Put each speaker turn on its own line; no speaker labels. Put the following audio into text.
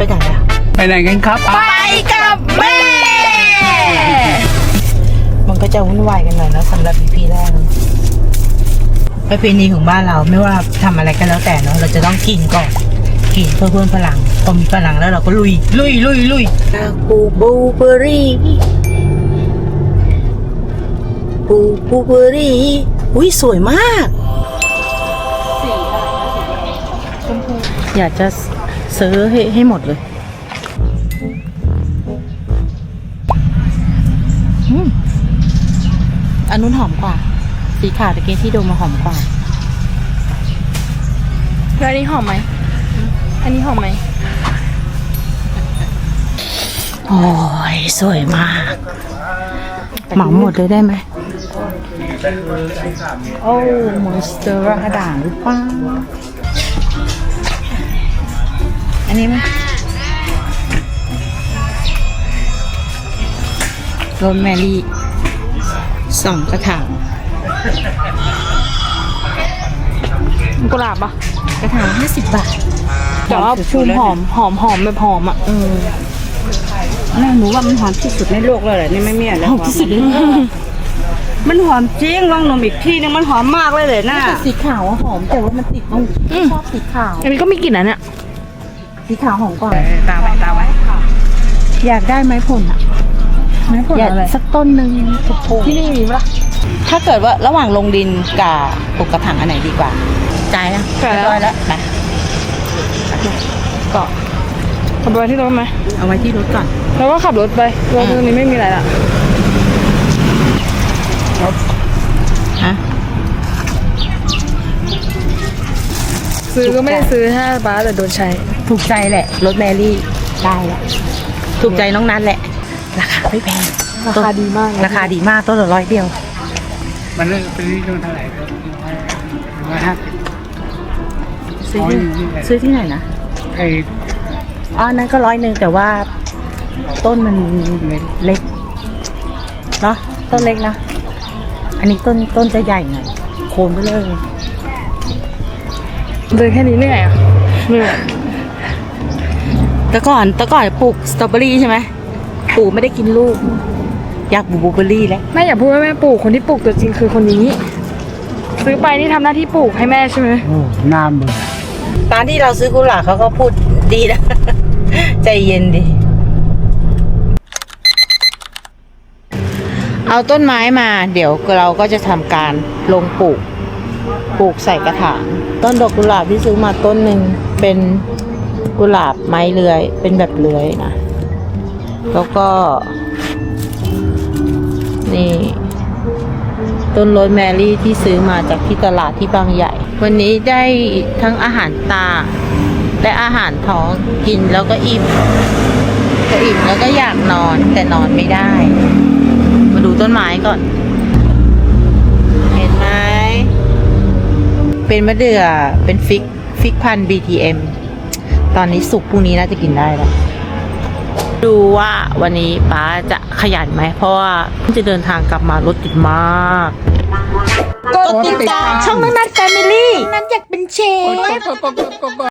ไหนอะ
ไปไหนกันครับ
ไปกับแม่มันก็จะวุ่นวายกันหน่อยนะสำหรับ EP แรกประเพณีของบ้านเราไม่ว่าทำอะไรก็แล้วแต่เนาะเราจะต้องกินก่อนกินเพื่อเพิ่มพลังพอมีพลังแล้วเราก็ลุยปูเบอรี่ปูเบอรี่อุ้ยสวยมากอยากจะซื้อให้หมดเลยอันนู้นหอมกว่าสีขาวตะเกียที่ดมมาหอมกว่า
แล้วอันนี้หอมไหมอันนี้หอมไหม
โอ้ยสวยมากเหมาหมดเลยได้ไหมโอ้มอนสเตอร์กระด่างหรือเปล่าอันนี้มั้ยโรสแมรี่2 กระถาง
กุหลาบปะ
กระถาง50 บาท
แต่ว่าภูมิหอมแบบหอมอ่ะ
แม่หนูว่ามันหอมที่สุดในโลกเลยแหละนี่ไม่มีอะไรหอมที่สุดมันหอมจริงลองนมอีกทีนึงมันหอมมากเลยนะสีขาวหอมแต่ว่ามันติดตรงชอบสีขาว
อันนี้ก็มีกลิ่นนะเนี่ย
สีขาวหอมกว่า
ตามไป
อยากได้ไม้ผลอ่ะไม้ผลอะไรสักต้นหนึ่ง
ที่นี่มีปะ
ถ้าเกิดว่าระหว่างลงดินกับปลูกกระถางอันไหนดีกว่าใจนะแล้วไปก็
ขับไปที่รถไหม
เอาไว้ที่รถก่อน
แล้วก็ขับรถไปรถตรงนี้ไม่มีอะไรละ
ฮะ
ซื้อก็ไม่ได้ซื้อถ้าป้าแต่โดนใช้
ถูกใจแหละรถแมรี่ได้แหละถูกใจน้องนัทแหละราคาไม่แพง
ราคาดีมาก
ต้นละ100 เดียว
มันเป็นที่เท่าไหร่
ซื้อที่ไหนนะนั้นก็100แต่ว่าต้นมันเล็กเนาะต้นเล็กนะอันนี้ต้นจะใหญ่หน่อยโคนไปเลย
เดินแค่นี้เหนื่อยอ่ะ
แต่ก่อนปลูกสตรอเบอรี่ใช่ไหมปลูกไม่ได้กินลูกอยากปลูกบลูเบอร์รี่แล้ว
แม่อย่าพูดว่าแม่ปลูกคนที่ปลูกตัวจริงคือคนนี้ซื้อไปนี่ทำหน้าที่ปลูกให้แม่ใช่ไหม
โอ้น้ำเบื่อ
ตอนที่เราซื้อกุหลาบเขาก็พูดดีนะ ใจเย็นดิเอาต้นไม้มาเดี๋ยวเราก็จะทำการลงปลูกใส่กระถางต้นดอกกุหลาบที่ซื้อมาต้นหนึ่งเป็นกุหลาบไม้เลื้อยเป็นแบบเลื้อยนะแล้วก็นี่ต้นโรสแมรี่ที่ซื้อมาจากที่ตลาดที่บางใหญ่วันนี้ได้ทั้งอาหารตาและอาหารท้องกินแล้วก็อิ่มแล้วก็อยากนอนแต่นอนไม่ได้มาดูต้นไม้ก่อนเห็นไหมเป็นมะเดื่อเป็นฟิกพันธุ์ BTM ตอนนี้สุกพรุ่งนี้น่าจะกินได้แล้วดูว่าวันนี้ป้าจะขยันไหมเพราะว่าจะเดินทางกลับมารถติดมากกดติดตามช่องนัทแฟมิลี่นัทอยากเป็นเชฟ